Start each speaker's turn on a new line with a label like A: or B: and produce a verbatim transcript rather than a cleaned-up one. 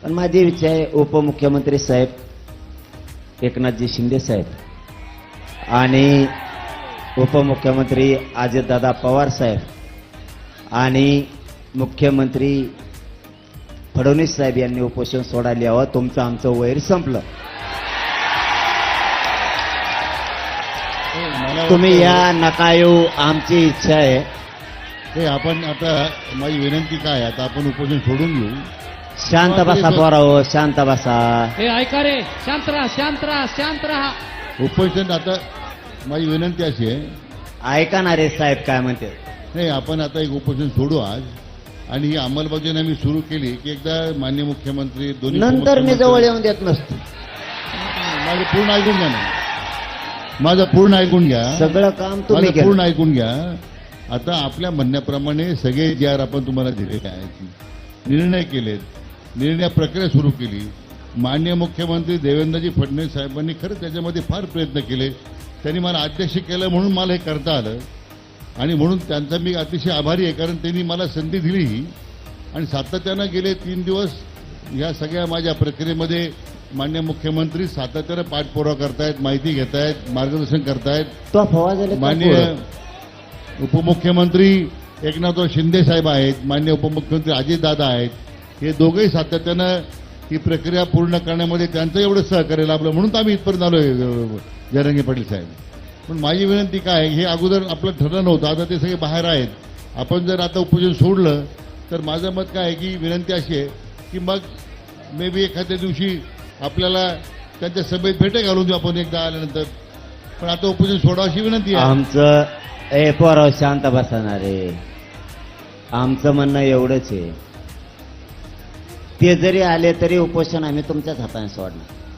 A: पण माझी इच्छा आहे उपमुख्यमंत्री साहेब एकनाथजी शिंदे साहेब आणि उपमुख्यमंत्री अजितदादा पवार साहेब आणि मुख्यमंत्री फडणवीस साहेब यांनी उपोषण सोडायला यावं. तुमचं आमचं वैर संपलं. तुम्ही या नका येऊ, आमची इच्छा आहे.
B: ते आपण आता माझी विनंती काय आहे, आता आपण उपोषण सोडून घेऊ.
A: शांत बसा पोराओ, शांत बसा.
C: हे ऐका रे, शांत राहा, शांत राहा, शांत राहा.
B: उपोषण आता माझी विनंती अशी आहे,
A: ऐका ना रे साहेब काय म्हणते.
B: नाही आपण आता एक उपोषण सोडू आज आणि ही अंमलबजावणी आम्ही सुरू केली की एकदा माननीय मुख्यमंत्री दोन्ही
A: नंतर मी
B: उपमुख्यमंत्री-
A: जवळ येऊन देत नसतो.
B: माझं पूर्ण ऐकून घ्या ना, माझं पूर्ण ऐकून घ्या,
A: सगळं काम तुम्ही
B: माझं पूर्ण
A: केलं.
B: ऐकून घ्या. आता आपल्या म्हणण्याप्रमाणे सगळे जे आर आपण तुम्हाला दिलेले आहेत, निर्णय केलेत, निर्णय प्रक्रिया सुरू केली. माननीय मुख्यमंत्री देवेंद्रजी फडणवीस साहेबांनी खरं त्याच्यामध्ये फार प्रयत्न केले. त्यांनी मला अध्यक्ष केलं म्हणून मला हे करता आलं आणि म्हणून त्यांचा मी अतिशय आभारी आहे, कारण त्यांनी मला संधी दिली ही. आणि सातत्यानं गेले तीन दिवस या सगळ्या माझ्या प्रक्रियेमध्ये माननीय मुख्यमंत्री सातत्यानं पाठपुरावा करतायत, माहिती घेतायत, मार्गदर्शन करतायत.
A: तो फवा झाले
B: माननीय उपमुख्यमंत्री एकनाथराव शिंदे साहेब आहेत, माननीय उपमुख्यमंत्री अजितदादा आहेत. हे दोघंही सातत्यानं ही प्रक्रिया पूर्ण करण्यामध्ये त्यांचं एवढं सहकार्य लाभलं म्हणून तर आम्ही इथपर्यंत आलोय जयरंगे पाटील साहेब. पण माझी विनंती काय आहे, हे अगोदर आपलं ठरलं नव्हतं, आता ते सगळे बाहेर आहेत. आपण जर आता उपोषण सोडलं तर माझं मत काय आहे की विनंती अशी आहे की मग मे बी एखाद्या दिवशी आपल्याला त्यांच्या सभेत भेटे घालून देऊ आपण एकदा आल्यानंतर. पण आता उपोषण सोडा अशी विनंती आहे.
A: आमचं ए पोराव शांत बसणार रे. आमचं म्हणणं एवढंच आहे, ते जरी आले तरी उपोषण आम्ही तुमच्याच हाताने सोडणार.